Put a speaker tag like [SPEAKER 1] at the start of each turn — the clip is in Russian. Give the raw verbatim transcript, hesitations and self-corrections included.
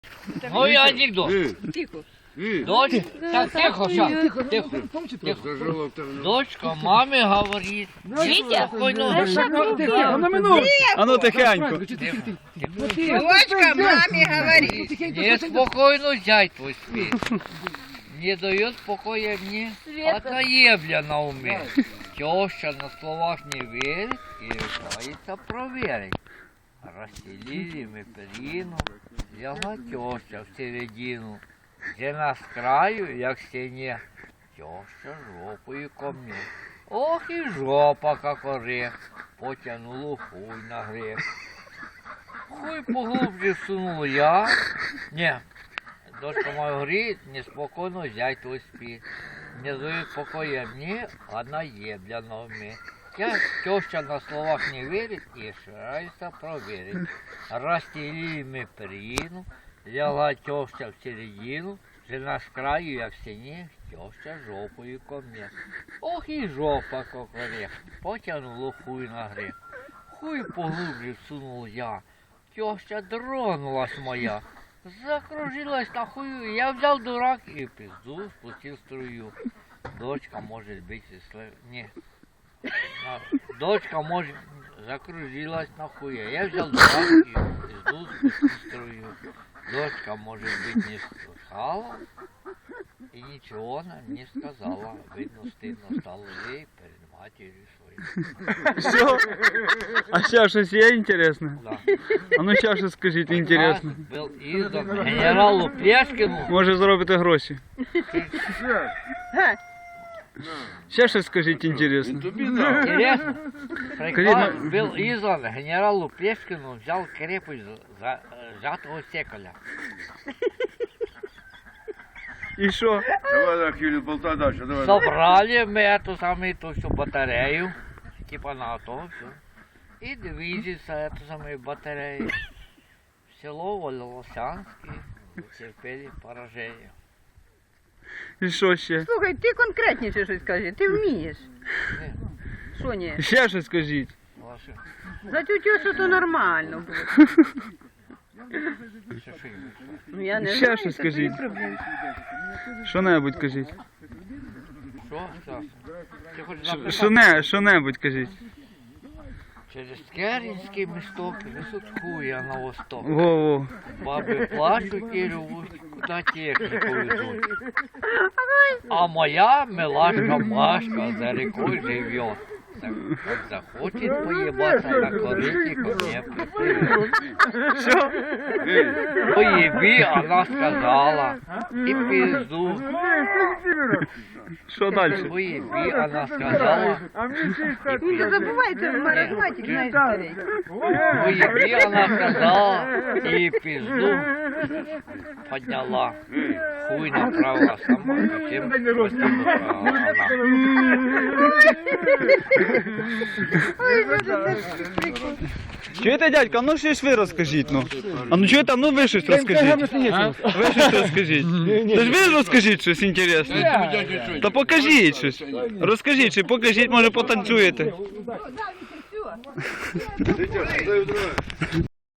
[SPEAKER 1] Ну и анекдот.
[SPEAKER 2] Тихо.
[SPEAKER 1] Дочь, так тихо, сейчас, тихо, тихо. Дочка маме говорит, Витя, спокойно.
[SPEAKER 3] А ну тихенько.
[SPEAKER 2] Дочка маме говорит.
[SPEAKER 1] Неспокойно зять твой спит. Не дает покоя мне, одна ебля на уме. Теща на словах не верит и решается проверить. Расстелили мы перину, взяла теща в середину. Жена с краю, як стене, теща жопою ко мне. Ох и жопа, как орех, потянула хуй на грех. Хуй поглубже всунул я. Не, дочка моя говорит, неспокойно зять твой спит. Не дает покоя мне, одна ебля на уме. Я теща на словах не верит и старается проверить. Расстелили мы перину, лягла теща в середину, жена с краю, як в стене, теща жопою ко мне. Ох и жопа, как орех, потянула хуй на грех. Хуй поглубже всунул я, теща тронулась моя. Закружилась на хую, я взял дурак и пизду спустил струю. Дочка может быть и слэ... Не. Дочка может закружилась на хуя. Я взял дурак и пизду спустил струю. Дочка может быть не слыхала и ничего нам не сказала. Видно, стыдно стало ей перед матерью своей.
[SPEAKER 3] Все? А ще щось є інтересне?
[SPEAKER 1] Да.
[SPEAKER 3] А ну ще щось скажіть інтересне.
[SPEAKER 1] Был издан генералу Плешкину.
[SPEAKER 3] Може заробите гроші. Ще щось скажіть інтересне.
[SPEAKER 1] Интересно.
[SPEAKER 3] Скажи,
[SPEAKER 1] Приказ
[SPEAKER 3] ну-
[SPEAKER 1] был издан генералу Плешкину, взял крепость за сжатого стеколя.
[SPEAKER 3] І що?
[SPEAKER 4] Давай так, Юлия, болтай дальше, давай.
[SPEAKER 1] Собрали мы эту самую ту всю батарею, типа на то все. И движется эту самую батарею. В село Волосянский терпели поражение.
[SPEAKER 3] І що ще?
[SPEAKER 2] Слухай, ти конкретніше щось скажи, ти вмієш.
[SPEAKER 1] Не,
[SPEAKER 2] Що ні?
[SPEAKER 3] Ще щось скажіть.
[SPEAKER 1] ваши,
[SPEAKER 2] За цю тещу то нормально було.
[SPEAKER 1] все, что им.
[SPEAKER 2] Ну я не
[SPEAKER 3] Ще
[SPEAKER 2] знаю,
[SPEAKER 3] щось
[SPEAKER 2] це твої
[SPEAKER 3] скажіть.
[SPEAKER 2] проблеми.
[SPEAKER 3] Що-небудь кажіть.
[SPEAKER 1] Что, Стас? Ты хочешь
[SPEAKER 3] Ш-
[SPEAKER 1] написать?
[SPEAKER 3] Що-не, що-небудь кажіть.
[SPEAKER 1] Через Керенский місток несут хуя на восток.
[SPEAKER 3] Во-во.
[SPEAKER 1] Бабы плачут и ревут, куда технику везут. А моя милашка Машка за рекой живет. Так, как захочет поебаться на корыте, ко мне приплывет.
[SPEAKER 3] Що?
[SPEAKER 1] Поеби, она сказала, и пизду.
[SPEAKER 3] Що далі?
[SPEAKER 1] Поеби, она сказала, и
[SPEAKER 2] Не
[SPEAKER 1] пизду.
[SPEAKER 2] забувайте, маразматик, знаєш, старий.
[SPEAKER 1] Поеби, она сказала, и пизду подняла. Хуй направила сама, зачем гостей направила она.
[SPEAKER 2] Ой, Боже, це ж прикол.
[SPEAKER 3] Чуєте, дядька, а ну щось ви розкажіть, ну. А ну чуєте, а ну ви щось розкажіть. Ви щось розкажіть. Та ж ви розкажіть щось інтересне. Та покажіть щось. Розкажіть, чи покажіть, може потанцюєте.